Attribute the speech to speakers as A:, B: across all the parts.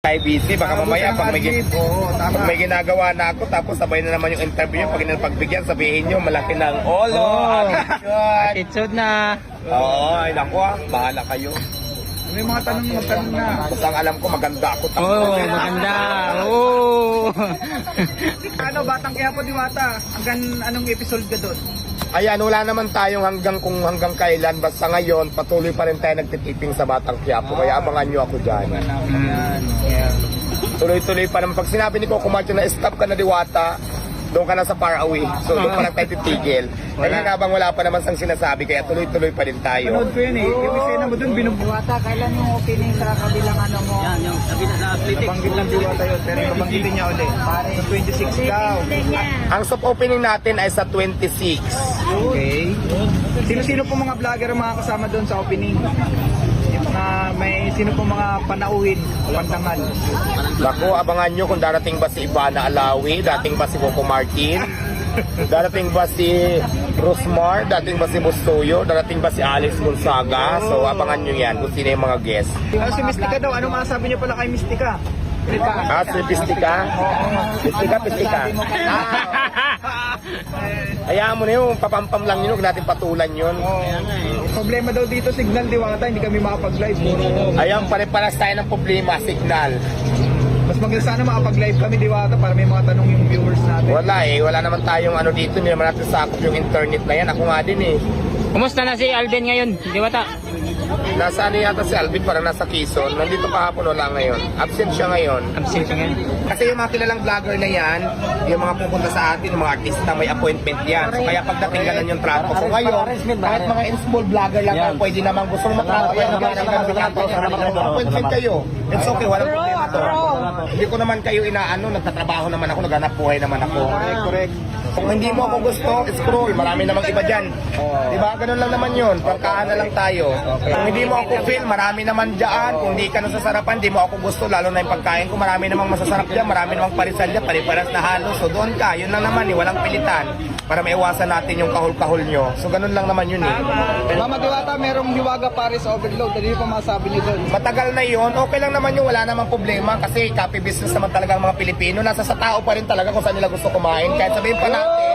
A: Kay busy, baka mamaya pag may ginagawa na ako tapos sabay na naman yung interview pag pagbigyan sabihin nyo malaki ng olo,
B: attitude na.
A: Oo, ay naku bahala kayo.
C: May mga tanong na.
A: Basta ang alam ko maganda ako.
B: Maganda.
C: Ano, Batang Quiapo Diwata? Hanggang anong episode ka doon?
A: Ayan, wala naman tayong hanggang kailan. Basta ngayon, patuloy pa rin tayo nagtitiping sa Batang Quiapo. Kaya abangan nyo ako dyan. Tuloy-tuloy pa naman. Pag sinabi ni Coco Martin na stop ka na Diwata, doon ka na sa far away. So doon pa lang tayo titigil. Kaya habang wala pa naman sang sinasabi, kaya tuloy-tuloy pa rin tayo.
C: Panood ko yun eh. Yung isena mo doon,
D: Diwata, kailan yung opening sa kabilang ano mo?
B: Yan, yung sabi na sa athletics.
C: nabanggit lang Diwata yun. Pero nabanggitin niya ulit. Sa 26 daw.
A: Ang soft opening natin ay sa 26.
C: Okay. Sino-sino po mga vlogger ang mga kasama doon sa opening? Yung mga, sino po mga panauhin, pandangal?
A: Naku, abangan nyo kung darating ba si Ivana Alawi, dating ba si Coco Martin, darating ba si Rosmar, dating ba si Bustoyo, darating ba si Alex Gonzaga. So abangan nyo yan kung sino yung mga guest.
C: Si Mystica daw, ano masasabi niyo pala kay Mystica?
A: Si Pistika? Pistika. Hayaan mo na yun, papampam lang yun, huwag natin patulan yun.
C: Problema daw dito, signal Diwata, hindi kami makapag-live.
A: Ayan, pare-paras tayo ng problema, signal.
C: Mas maganda sana makapag-live kami Diwata para may mga tanong yung viewers natin.
A: Wala naman tayong ano dito, hindi naman natin sakop yung internet na yan. Ako nga din eh.
B: Kumusta na si Alden ngayon, Diwata?
A: Nasa ano yata si Alvin, parang nasa Quezon. Nandito kahapon, wala ngayon. Absent siya ngayon.
B: Absent siya ngayon.
A: Kasi yung mga kilalang vlogger na yan, yung mga pupunta sa atin, yung mga artista, may appointment yan. So kaya pagdating ganun yung trato ko ngayon, kahit mga in-small vlogger lang yan, pwede naman gustong matrato yan, appointment kayo. It's okay, walang problema to. Hindi ko naman kayo inaano, nagtatrabaho naman ako, naghanap buhay naman ako.
C: Correct.
A: Kung hindi mo ako gusto, scroll, marami namang iba dyan. Diba? Ganun lang naman yun. Pagkaan na lang tayo. Kung hindi mo ako feel, marami naman dyan. Kung hindi ka nasasarapan, hindi mo ako gusto, lalo na yung pagkain ko, marami namang masasarap dyan, marami namang parisal dyan, pariparas na halos. So doon ka, yun lang naman eh, walang pilitan. Para maiwasan natin yung kahul-kahul nyo. So ganun lang naman yun eh.
C: Mama Diwata, merong Hiwaga Paris Overload. Ano yung masasabi niyo doon?
A: Matagal na yun, okay lang naman yung wala namang problema kasi copy business naman talaga ang mga Pilipino. Nasa sa tao pa rin talaga kung saan nila gusto kumain. Kahit sabihin pa natin,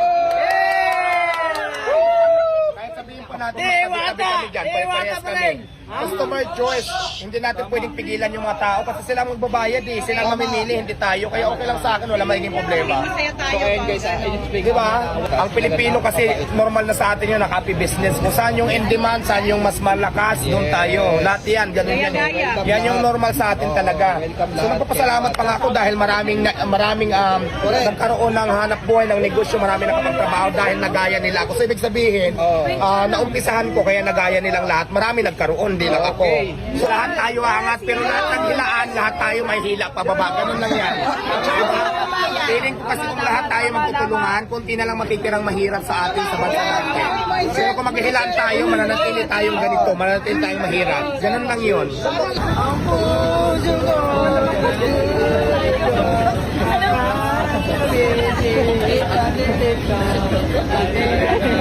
A: tabi-tabi dyan, pare-parehas kami. Customer choice. Hindi natin pwedeng pigilan yung mga tao kasi sila magbabayad eh. Sila mamimili, hindi tayo. Kaya okay lang sa akin, wala magiging problema.
C: So ayun guys,
A: Di ba? Ang Pilipino kasi normal na sa atin yun, naka-happy business. Kung saan yung in demand, saan yung mas malakas, doon tayo. Lahat yan, ganun yan. Yan yung normal sa atin talaga. So nagpapasalamat pa nga ako dahil maraming nagkaroon ng hanap buhay ng negosyo, maraming nakapagtrabaho dahil nagaya nila ako. So ibig sabihin, naumpisahan ko kaya nagaya nilang lahat. Marami nagkaroon, hindi lang ako. So lahat tayo angat, pero lahat ng hilaan, lahat tayo may hila pababa. Ganun lang yan. Feeling ko kasi kung lahat tayo magtutulungan, kunti na lang matitirang mahirap sa atin sa bansa natin. Pero kung maghihilaan tayo, mananatili tayong ganito, mananatili tayong mahirap. Ganun lang yun.
D: Ano?